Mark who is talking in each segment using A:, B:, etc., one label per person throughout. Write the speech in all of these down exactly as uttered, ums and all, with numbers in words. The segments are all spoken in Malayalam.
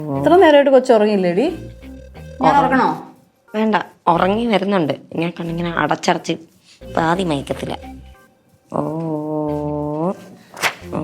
A: ഇത്ര നേരമായിട്ട് കൊച്ചു ഉറങ്ങിയില്ലേടി? ഞാൻ ഉറങ്ങണോ?
B: വേണ്ട, ഉറങ്ങി വരുന്നുണ്ട്. ഞാൻ കണ്ടിങ്ങനെ അടച്ചടച്ച് പാതി മയക്കത്തില്ല. ഓ ഓ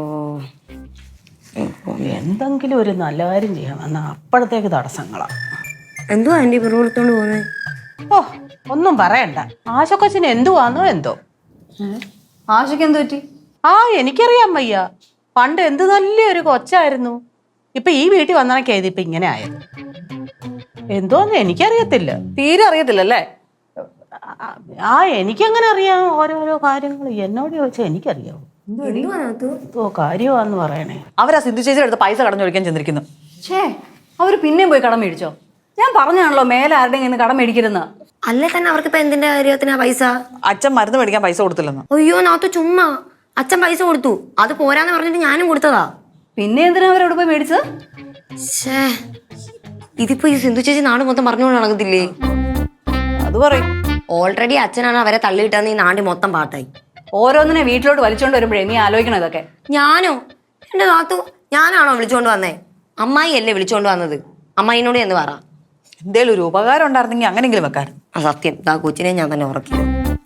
C: എന്തെങ്കിലും ഒരു നല്ല കാര്യം ചെയ്യാൻ വന്ന അപ്പോഴത്തേക്ക് തടസ്സങ്ങളാ.
B: എന്തുവാ ആൻറ്റി പിറു കൊടുത്തോണ്ട് പോകുന്നത്?
C: ഓ ഒന്നും പറയണ്ട. ആശക്കൊച്ചിന് എന്തുവാന്നോ എന്തോ.
A: ആശയ്ക്ക് എന്ത് പറ്റി?
C: ആ എനിക്കറിയാൻ വയ്യ. പണ്ട് എന്ത് നല്ലൊരു കൊച്ചായിരുന്നു. ഇപ്പൊ ഈ വീട്ടിൽ വന്നണക്കേത് ഇപ്പൊ ഇങ്ങനെ ആയത് എന്തോന്ന് എനിക്കറിയത്തില്ല.
A: തീരെ അറിയത്തില്ലല്ലേ?
C: ആ എനിക്കെങ്ങനെ അറിയാം ഓരോരോ കാര്യങ്ങൾ? എന്നോട് ചോദിച്ചാൽ എനിക്കറിയാവോ എന്തോ കാര്യമാന്ന് പറയണേ.
A: അവരാ സിദ്ധു ചേച്ചിയുടെ അടുത്ത് പൈസ കടം ചോദിക്കാൻ ചെന്നിരിക്കുന്നു. ഛേ, അവര് പിന്നെയും പോയി കടം മേടിച്ചോ? ഞാൻ പറഞ്ഞാണല്ലോ മേലെ ആരുടെയും കടം മേടിക്കരുന്ന്.
B: അല്ലേ തന്നെ അവർക്ക് ഇപ്പൊ എന്തിന്റെ കാര്യത്തിനാ പൈസ?
D: അച്ഛൻ മരുന്ന് മേടിക്കാൻ പൈസ കൊടുത്തില്ലെന്ന്.
B: അയ്യോ നാത്തു ചുമ്മാ. അച്ഛൻ പൈസ കൊടുത്തു, അത് പോരാന്ന് പറഞ്ഞിട്ട് ഞാനും കൊടുത്തതാ.
A: പിന്നെ എന്തിനാ അവരവിടെ പോയി മേടിച്ചത്?
B: ഷേ, ഇതിപ്പോ ഈ സിന്ധു ചേച്ചി നാട് മൊത്തം പറഞ്ഞുകൊണ്ട് നടക്കത്തില്ലേ?
A: അത് പറയും.
B: ഓൾറെഡി അച്ഛനാണ് അവരെ തള്ളിയിട്ടെന്ന് ഈ നാടി മൊത്തം പാട്ടായി.
A: ഓരോന്നിനെ വീട്ടിലോട്ട് വലിച്ചോണ്ട് വരുമ്പോഴേ നീ ആലോചിക്കണം ഇതൊക്കെ.
B: ഞാനോ? എന്റെ നാത്തു ഞാനാണോ വിളിച്ചോണ്ട് വന്നേ? അമ്മായി അല്ലേ വിളിച്ചോണ്ട് വന്നത്. അമ്മായിനോട് എന്ന് പറ.
D: എന്തേലും ഒരു ഉപകാരം ഉണ്ടായിരുന്നെങ്കിൽ അങ്ങനെങ്കിലും വെക്കാൻ.
B: ആ സത്യം, ദാ കൊച്ചിനെ ഞാൻ തന്നെ ഉറക്കി.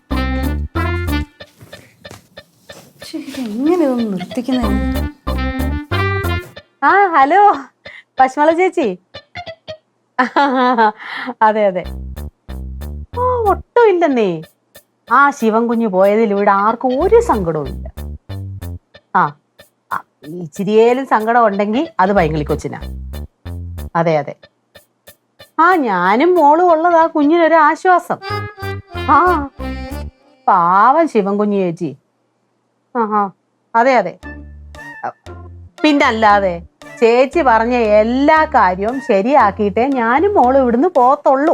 A: എങ്ങനെ ഇതൊന്നും നിർത്തിക്കുന്ന?
C: ആ ഹലോ പശ്മള ചേച്ചി. അതെ അതെ. ഓ ഒട്ടും ഇല്ലെന്നേ. ആ ശിവൻ കുഞ്ഞു പോയതിൽ ഇവിടെ ആർക്കും ഒരു സങ്കടവും ഇല്ല. ആ ഇച്ചിരിയേലും സങ്കടം ഉണ്ടെങ്കിൽ അത് പൈങ്കിളി കൊച്ചിനാ. അതെ അതെ. ആ ഞാനും മോളും ഉള്ളതാ കുഞ്ഞിനൊരു ആശ്വാസം. ആ പാവം ശിവൻ കുഞ്ഞു ചേച്ചി. ആ ആ അതെ അതെ. പിന്നല്ലാതെ ചേച്ചി പറഞ്ഞ എല്ലാ കാര്യവും ശരിയാക്കിയിട്ടേ ഞാനും മോളും ഇവിടുന്ന് പോത്തുള്ളൂ.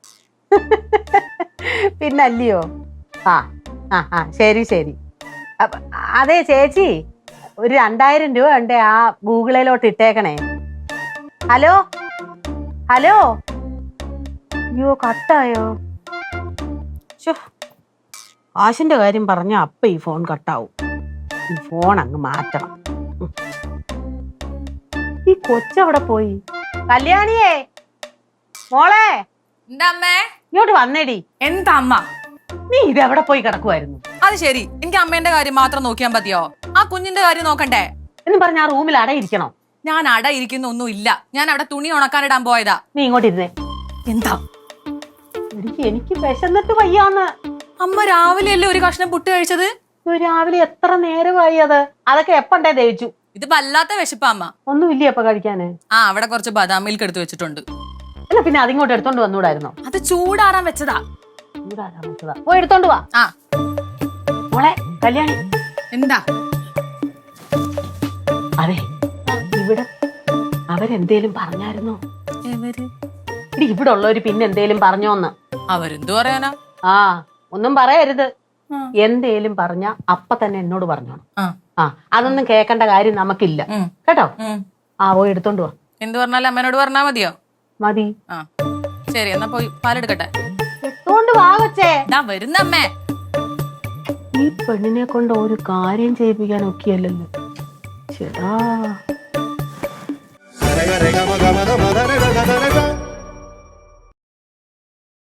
C: പിന്നല്ലയോ? ആ ആ ആ ശരി ശരി. അതെ ചേച്ചി, ഒരു രണ്ടായിരം രൂപ ഉണ്ട് ആ ഗൂഗിളിലോട്ട് ഇട്ടേക്കണേ. Hello hello. അയ്യോ കട്ടായോ? ആശിന്റെ കാര്യം പറഞ്ഞ അപ്പ ഈ ഫോൺ കട്ടാവും. ഈ ഫോൺ അങ്ങ് മാറ്റണം. ഈ കൊച്ചവിടെ പോയി? കല്യാണിയേ, മോളെ
E: എന്താ അമ്മേ?
C: ഇങ്ങോട്ട് വന്നേടി.
E: എന്താ അമ്മ?
C: നീ ഇതെവിടെ പോയി കിടക്കുമായിരുന്നു?
E: അത് ശരി, എനിക്ക് അമ്മേന്റെ കാര്യം മാത്രം നോക്കിയാൽ മതിയോ? ആ കുഞ്ഞിന്റെ കാര്യം നോക്കണ്ടേ?
C: എന്ന് പറഞ്ഞ ആ റൂമിൽ അടയിരിക്കണോ?
E: ഞാൻ അട ഇരിക്കുന്ന ഒന്നും ഇല്ല. ഞാൻ അവിടെ തുണി ഉണക്കാനിടാൻ പോയതാ.
C: നീ ഇങ്ങോട്ട് ഇരുന്നേ.
E: എന്താ?
C: എനിക്ക് എനിക്ക് വിശന്നിട്ട് വയ്യാന്ന്.
E: അമ്മ രാവിലെ അല്ലേ ഒരു കഷ്ണം പുട്ട് കഴിച്ചത്?
C: രാവിലെ എത്ര നേരമായി അത്? അതൊക്കെ എപ്പണ്ടേ ദഹിച്ചു?
E: ഇത് വല്ലാത്ത വിശപ്പാ അമ്മ.
C: ഒന്നും ഇല്ലേ അപ്പൊ കഴിക്കാന്?
E: ആ അവിടെ കുറച്ച് ബദാം മിൽക്ക് എടുത്ത് വെച്ചിട്ടുണ്ട്.
C: അല്ല പിന്നെ അതിങ്ങോട്ട് എടുത്തോണ്ട് വന്നൂടായിരുന്നോ?
E: അത് ചൂടാറാൻ വെച്ചതാ.
C: ചൂടാറാൻ വെച്ചതാ. പോയി എടുത്തോണ്ട് വാ.
E: ആ
C: മോളെ കല്യാണി.
E: എന്താ?
C: അതെ, ഇവിടെ അവരെന്തേലും പറഞ്ഞായിരുന്നോ? ഇടി ഇവിടെ ഉള്ളവര് പിന്നെ എന്തേലും പറഞ്ഞോന്ന്?
E: അവരെന്തു പറയാനാ?
C: ആ ഒന്നും പറയരുത്. എന്തേലും പറഞ്ഞ അപ്പ തന്നെ എന്നോട് പറഞ്ഞോണം. ആ അതൊന്നും കേക്കണ്ട കാര്യം നമുക്കില്ല കേട്ടോ. ആ പോയി എടുത്തോണ്ട് വാ.
E: എന്ത് പറഞ്ഞാലും അമ്മേനോട് പറഞ്ഞാ മതിയോ?
C: മതി.
E: ആ ശരി, എന്നാ പോയി പാലെടുക്കട്ടെ.
C: എടുത്തോണ്ട് വാ കൊച്ചേ.
E: ദാ വരുന്ന അമ്മേ.
C: ഈ പെണ്ണിനെ കൊണ്ട് ഒരു കാര്യം ചെയ്യിപ്പിക്കാൻ ഒക്കെയല്ലല്ലോ. ചേട്ടാ.